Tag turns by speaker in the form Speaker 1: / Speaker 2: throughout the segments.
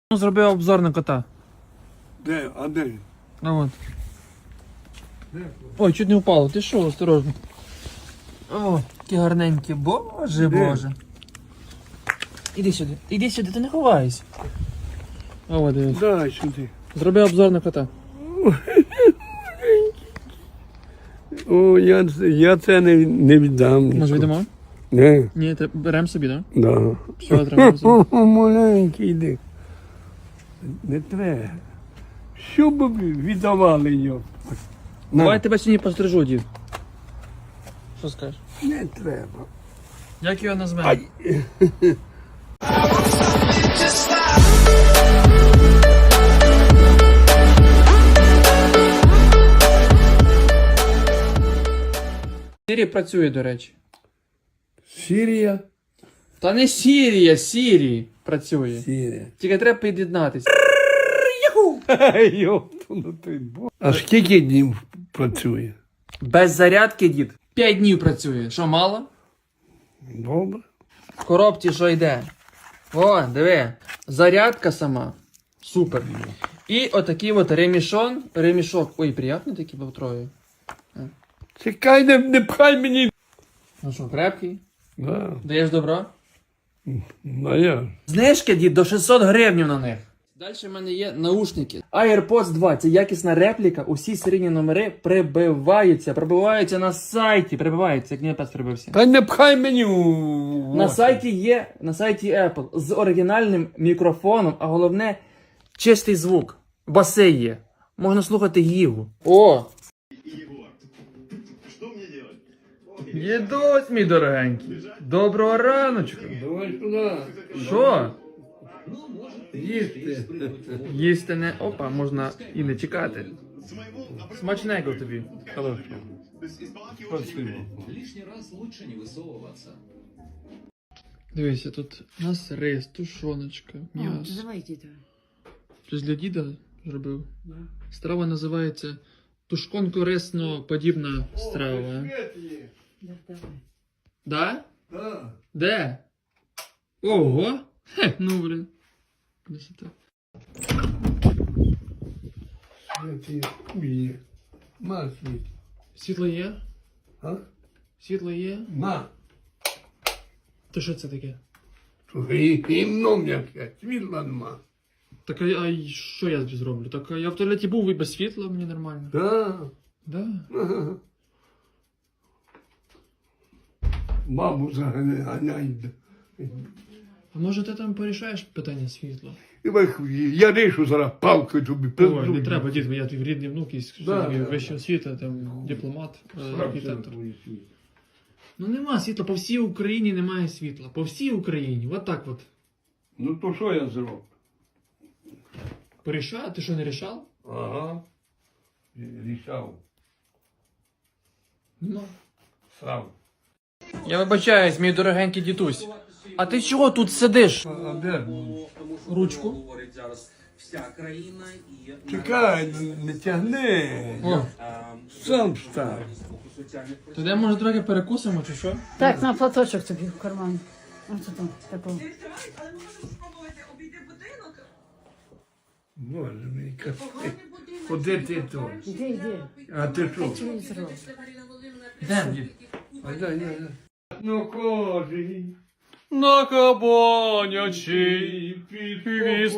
Speaker 1: Зробив обзор на кота.
Speaker 2: Де? А де він?
Speaker 1: Ну от.
Speaker 2: Де?
Speaker 1: Ой, чуть не впало. Ти що, осторожно. О, які гарненькі. Боже,
Speaker 2: Де?
Speaker 1: боже. Іди сюди. Іди сюди, ти не ховайся. О, дивись.
Speaker 2: Дай сюди.
Speaker 1: Зроби обзор на кота.
Speaker 2: О, я це не віддам.
Speaker 1: Може віддамо?
Speaker 2: Не,
Speaker 1: Ні, беремо собі, так?
Speaker 2: да.
Speaker 1: Все, треба собі.
Speaker 2: Маленький йди. Не треба. Що б ви віддавали його?
Speaker 1: Давай тебе сьогодні пострижу, дід. Що скажеш?
Speaker 2: Не треба.
Speaker 1: Як його назвемо?
Speaker 2: Ай.
Speaker 1: Сірі працює, до речі.
Speaker 2: Сірія?
Speaker 1: Та не Сірія, Сірі працює.
Speaker 2: Сірія.
Speaker 1: Тільки треба під'єднатися.
Speaker 2: Йоптунутий бог. А скільки днів працює?
Speaker 1: Без зарядки, дід. 5 днів працює. Що, мало?
Speaker 2: Добре.
Speaker 1: В коробці що йде? О, диви. Зарядка сама. Супер. І отакий от ремішок. Ой, приятний такий був троє.
Speaker 2: Чекай, не пхай мені.
Speaker 1: Ну що, крепкий?
Speaker 2: Да.
Speaker 1: Даєш добро?
Speaker 2: Ну я.
Speaker 1: Знижки, дід, до 600 гривень на них. Далі в мене є наушники. AirPods 2 – це якісна репліка. Усі серійні номери прибиваються на сайті. Прибиваються, як не опять прибився.
Speaker 2: Та не пхай мені
Speaker 1: На сайті Apple з оригінальним мікрофоном, а головне чистий звук. Баси є. Можна слухати Гігу. О! Дідусь, мій дорогенький. Доброго раночку.
Speaker 2: Давай сюди.
Speaker 1: Що?
Speaker 2: Їсти.
Speaker 1: Їсти не... Опа, можна і не чекати. Смачненько тобі.
Speaker 2: Хорошо. Спасибо.
Speaker 1: Дивися, тут у нас рис, тушоночка, м'ясо.
Speaker 3: Давайте это.
Speaker 1: Щось для діда зробив.
Speaker 3: Да.
Speaker 1: Страва називається тушконко-рисно-подібна страва.
Speaker 3: Да, давай.
Speaker 1: Да?
Speaker 2: Да.
Speaker 1: Де? Ого! Хе, ну блін. Красота.
Speaker 2: Святі хуї. На світ.
Speaker 1: Світло є?
Speaker 2: А?
Speaker 1: Світло є?
Speaker 2: На.
Speaker 1: То що це таке?
Speaker 2: Гімно м'яке. Світла нема.
Speaker 1: Так а що я зроблю? Так я в туалеті був і без світла, мені нормально.
Speaker 2: Да.
Speaker 1: Да.
Speaker 2: Ага. Маму заганяй.
Speaker 1: А може ти там порішаєш питання світла?
Speaker 2: Я рішу зараз палкою тобі.
Speaker 1: Ой, не треба, дід, я твій рідний внук, і
Speaker 2: Да, да.
Speaker 1: вища освіта, там дипломат, архітектор. Ну нема світла, по всій Україні немає світла. По всій Україні, от так от.
Speaker 2: Ну то що я зроблю?
Speaker 1: Порішаю, ти що не рішав?
Speaker 2: Ага. Рішав.
Speaker 1: Нема.
Speaker 2: Сам.
Speaker 1: Я вибачаюсь, мій дорогенький дідусь. А ти чого тут сидиш?
Speaker 2: А де?
Speaker 1: Ручку.
Speaker 4: Говорить зараз вся країна і
Speaker 2: Чекай, не тягни.
Speaker 1: О,
Speaker 2: Сам став.
Speaker 4: соціальних
Speaker 1: то де може трохи перекусимо чи що?
Speaker 3: Так, на платочок тобі в карман. Ось тут, таку.
Speaker 5: Але ми можемо спробувати обійти будинок.
Speaker 2: Боже мій,
Speaker 5: Поганий будинок.
Speaker 2: Куди ти тут?
Speaker 3: Іди, іди.
Speaker 2: А ти що?
Speaker 3: Телевізор.
Speaker 1: Де, дід?
Speaker 2: А я. Ну кожен.
Speaker 1: На кабанячий віз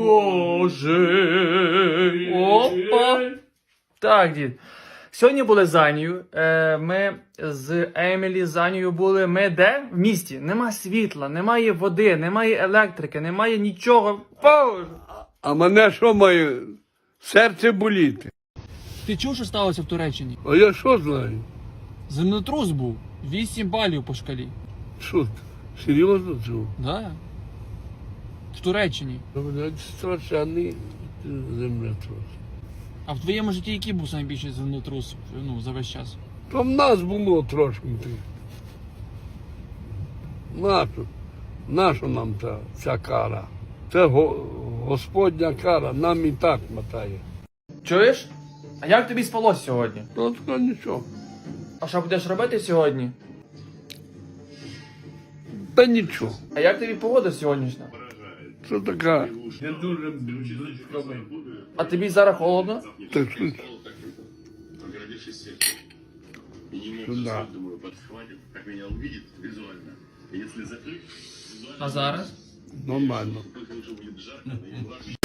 Speaker 1: покаже. Опа! Так, дід. Сьогодні були з Анією. Ми з Емілі з Анією були. Ми де? В місті. Нема світла, немає води, немає електрики, немає нічого. Боже!
Speaker 2: А мене що має? Серце боліти.
Speaker 1: Ти чув, що сталося в Туреччині?
Speaker 2: А я що знаю?
Speaker 1: Землетрус був. 8 балів по шкалі.
Speaker 2: Що? Серйозно чув?
Speaker 1: Да. В Туреччині.
Speaker 2: Блядь, страшенний землетрус.
Speaker 1: А в твоєму житті який був найбільший землетрус, ну, за весь час?
Speaker 2: То в нас було трошки. Нащо нам ця кара? Це Господня кара, нам і так мотає.
Speaker 1: Чуєш? А як тобі спалось сьогодні?
Speaker 2: Ну, то нічого.
Speaker 1: А що будеш робити сьогодні?
Speaker 2: Та нічого.
Speaker 1: А як тобі погода сьогоднішня?
Speaker 2: Це така. Не дуже близько.
Speaker 1: А тобі зараз холодно?
Speaker 2: Так що
Speaker 6: Огородившись сеткой. И не мог
Speaker 2: Да.
Speaker 6: заснуть, думаю, подхватит, как меня увидит визуально. И если закрыть, визуально...
Speaker 1: А зараз?
Speaker 2: нормально.
Speaker 6: Только уже будет жарко, но я не